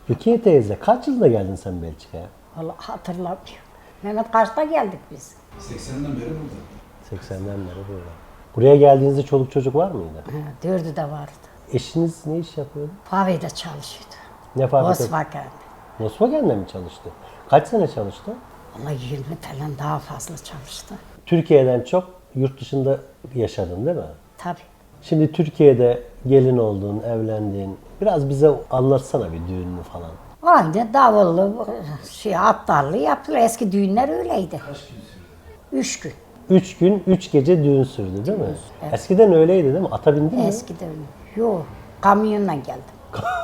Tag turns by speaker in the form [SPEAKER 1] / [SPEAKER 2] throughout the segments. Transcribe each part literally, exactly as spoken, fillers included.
[SPEAKER 1] Rukiye teyze kaç yılda geldin sen Belçika'ya?
[SPEAKER 2] Vallahi hatırlamıyorum. Mehmet kaçta geldik biz?
[SPEAKER 3] seksenden beri burada.
[SPEAKER 1] seksenden beri burada. Buraya geldiğinizde çoluk çocuk var mıydı?
[SPEAKER 2] Ha, dördü de vardı.
[SPEAKER 1] Eşiniz ne iş yapıyordu?
[SPEAKER 2] Fave'de çalışıyordu.
[SPEAKER 1] Ne fabrikası?
[SPEAKER 2] Volkswagen.
[SPEAKER 1] Volkswagen'de mi çalıştı? Kaç sene çalıştı?
[SPEAKER 2] Vallahi yirmi falan daha fazla çalıştı.
[SPEAKER 1] Türkiye'den çok yurt dışında yaşadın değil mi?
[SPEAKER 2] Tabii.
[SPEAKER 1] Şimdi Türkiye'de gelin oldun, evlendin. Biraz bize anlatsana bir düğününü falan.
[SPEAKER 2] Aynı davullu, şey, atlarlı yapılır. Eski düğünler öyleydi.
[SPEAKER 3] Kaç gün sürdü?
[SPEAKER 2] Üç gün.
[SPEAKER 1] Üç gün, üç gece düğün sürdü değil mi?
[SPEAKER 2] Evet.
[SPEAKER 1] Eskiden öyleydi değil mi? Ata bindin mi?
[SPEAKER 2] Eskiden yok. Kamyonla geldim.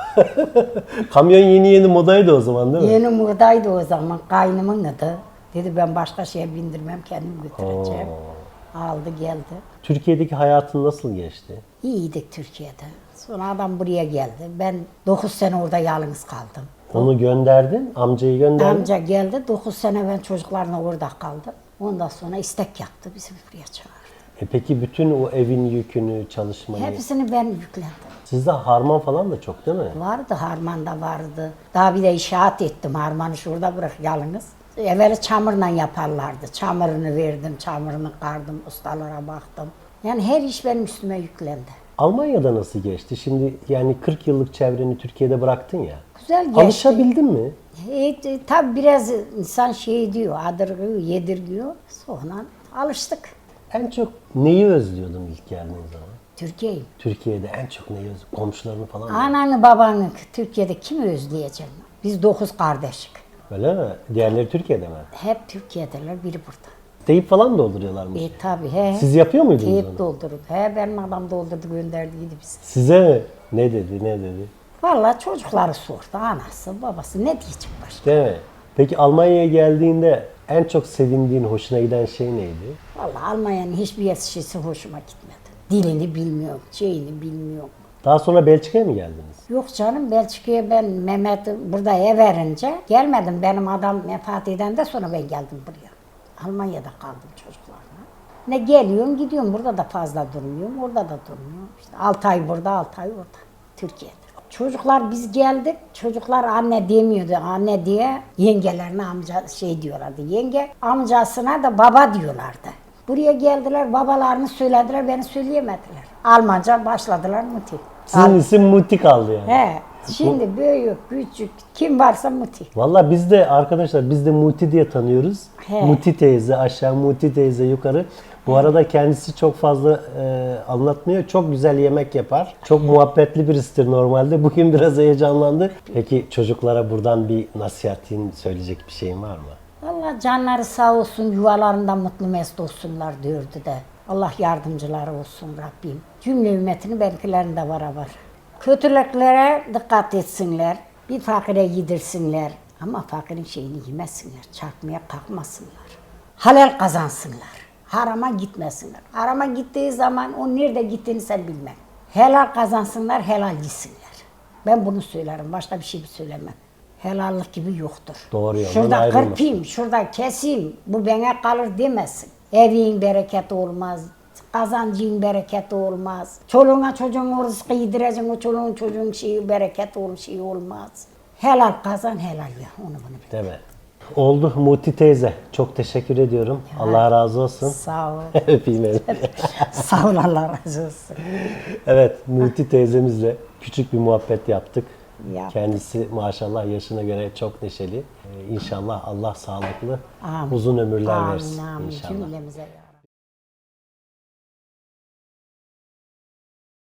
[SPEAKER 1] Kamyon yeni yeni modaydı o zaman değil mi?
[SPEAKER 2] Yeni modaydı o zaman. Kaynımın adı. Dedi ben başka şeye bindirmem, kendim götüreceğim. Aldı geldi.
[SPEAKER 1] Türkiye'deki hayatın nasıl geçti?
[SPEAKER 2] İyiydik Türkiye'de. Sonra adam buraya geldi. Ben dokuz sene orada yalnız kaldım.
[SPEAKER 1] Onu gönderdin, amcayı gönderdin.
[SPEAKER 2] Amca geldi, dokuz sene ben çocuklarla orada kaldım. Ondan sonra istek yaptı, bizi buraya çağırdı.
[SPEAKER 1] E peki bütün o evin yükünü, çalışmayı...
[SPEAKER 2] Hepsini ben yüklendim.
[SPEAKER 1] Sizde harman falan da çok değil mi?
[SPEAKER 2] Vardı, harman da vardı. Daha bir de inşaat ettim, harmanı şurada bırak yalnız. Evveli çamurla yaparlardı. Çamurunu verdim, çamurunu kardım, ustalara baktım. Yani her iş benim üstüme yüklendi.
[SPEAKER 1] Almanya'da nasıl geçti? Şimdi yani kırk yıllık çevreni Türkiye'de bıraktın ya.
[SPEAKER 2] Güzel geçti.
[SPEAKER 1] Alışabildin mi?
[SPEAKER 2] E, e, tabii biraz insan şey diyor, adırgıyor, yedirgiyor. Sonra alıştık.
[SPEAKER 1] En çok neyi özlüyordun ilk geldiğin zaman?
[SPEAKER 2] Türkiye'yi.
[SPEAKER 1] Türkiye'de en çok neyi özlüyordun? Komşularını falan mı?
[SPEAKER 2] Ananı babanı Türkiye'de kimi özleyeceğim? Biz dokuz kardeşik.
[SPEAKER 1] Öyle mi? Diğerleri Türkiye'de mi?
[SPEAKER 2] Hep Türkiye'deler, biri burada.
[SPEAKER 1] Deyip falan dolduruyorlarmış.
[SPEAKER 2] E tabii he.
[SPEAKER 1] Siz yapıyor muydunuz
[SPEAKER 2] Teyip
[SPEAKER 1] onu?
[SPEAKER 2] doldurdu. He benim adam doldurdu gönderdiydi bizi.
[SPEAKER 1] Size mi? Ne dedi, ne dedi?
[SPEAKER 2] Vallahi çocukları sordu. Anası, babası ne diyecek başka?
[SPEAKER 1] Değil mi? Peki Almanya'ya geldiğinde en çok sevindiğin, hoşuna giden şey neydi?
[SPEAKER 2] Vallahi Almanya'nın hiçbir şeysi hoşuma gitmedi. Dilini bilmiyorum, şeyini bilmiyorum.
[SPEAKER 1] Daha sonra Belçika'ya mı geldiniz?
[SPEAKER 2] Yok canım Belçika'ya ben Mehmet'i burada ev verince gelmedim. Benim adam vefat eden de sonra ben geldim buraya. Almanya'da kaldım çocuklarla. Ne geliyorum gidiyorum burada da fazla durmuyorum, orada da durmuyorum. İşte altı ay burada, altı ay orada. Türkiye'de. Çocuklar biz geldik, çocuklar anne demiyordu, anne diye yengelerine amca şey diyorlardı. Yenge amcasına da baba diyorlardı. Buraya geldiler, babalarını söylediler, beni söyleyemediler. Almanca başladılar Muti.
[SPEAKER 1] Sizin isim Muti kaldı yani.
[SPEAKER 2] He, şimdi büyük, küçük, kim varsa Muti.
[SPEAKER 1] Valla biz de arkadaşlar biz de Muti diye tanıyoruz.
[SPEAKER 2] He.
[SPEAKER 1] Muti teyze aşağı, Muti teyze yukarı. Bu arada kendisi çok fazla e, anlatmıyor. Çok güzel yemek yapar. Çok muhabbetli birisidir normalde. Bugün biraz heyecanlandı. Peki çocuklara buradan bir nasihatin, söyleyecek bir şeyin var mı?
[SPEAKER 2] Allah canları sağ olsun, yuvalarında mutlu mesut olsunlar diyordu de. Allah yardımcıları olsun Rabbim. Cümle ümmetini belkilerinde var var. Kötülüklere dikkat etsinler. Bir fakire yedirsinler. Ama fakirin şeyini yemesinler. Çarpmaya kalkmasınlar. Halal kazansınlar. Harama gitmesinler. Harama gittiği zaman o nerede gittiğini sen bilmem. Helal kazansınlar, helal yesinler. Ben bunu söylerim. Başka bir şey söylemem. Helallik gibi yoktur.
[SPEAKER 1] Doğru yoldan
[SPEAKER 2] Şurada
[SPEAKER 1] ayrılmasın.
[SPEAKER 2] kırpayım, şurada keseyim, bu bana kalır demesin. Evin bereketi olmaz, kazancın bereketi olmaz. Çoluğuna çocuğun rızkı yedireceksin, o çoluğun çocuğun şeyi bereketi olur, şey olmaz. Helal kazan, helal ya, onu bunu bil.
[SPEAKER 1] Değil mi? Oldu Muti teyze. Çok teşekkür ediyorum. Allah razı olsun.
[SPEAKER 2] Sağ ol.
[SPEAKER 1] Öpeyim elini.
[SPEAKER 2] Sağ ol, Allah razı olsun.
[SPEAKER 1] Evet, Muti teyzemizle küçük bir muhabbet yaptık.
[SPEAKER 2] Yaptık.
[SPEAKER 1] Kendisi maşallah yaşına göre çok neşeli. Ee, İnşallah Allah sağlıklı,
[SPEAKER 2] Amin.
[SPEAKER 1] uzun ömürler
[SPEAKER 2] Amin,
[SPEAKER 1] versin
[SPEAKER 2] amin.
[SPEAKER 1] inşallah.
[SPEAKER 2] Cümlemize ya.